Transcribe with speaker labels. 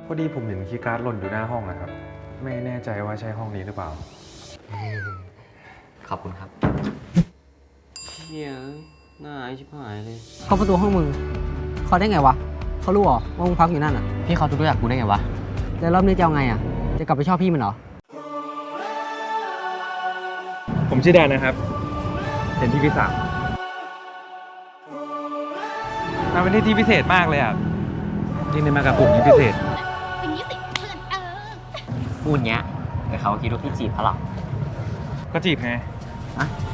Speaker 1: พอดีผมเห็นคีย์การ์ดหล่นอยู่หน้าห้องนะครับ ไม่แน่ใจว่าใช่ห้องนี้หรือเปล่า
Speaker 2: ขอบคุณครับเฮียหน้าไอชิบหายเลย
Speaker 3: เข้าประตูห้องมึงเขาได้ไงวะเขารู้เหรอว่ามึงพักอยู่นั่นอ่ะ
Speaker 2: พี่เขารู้จักกูได้ไงวะ
Speaker 3: แล้วรอบนี้จะเอาไงอ่ะจะกลับไปชอบพี่มันเหรอ
Speaker 1: ผมชื่อแดนนะครับ เป็นที่พิสามมาเป็นที่พิเศษมากเลยอ่ะยิ่งได้มากับกลุ่มนี้พิเศษ
Speaker 4: อย่างนี้สิเพื่อน
Speaker 2: พูดเงี้ยแต่เขาคิดว่าพี่จีบเขาหรอก
Speaker 1: ก็จีบไง
Speaker 2: อะ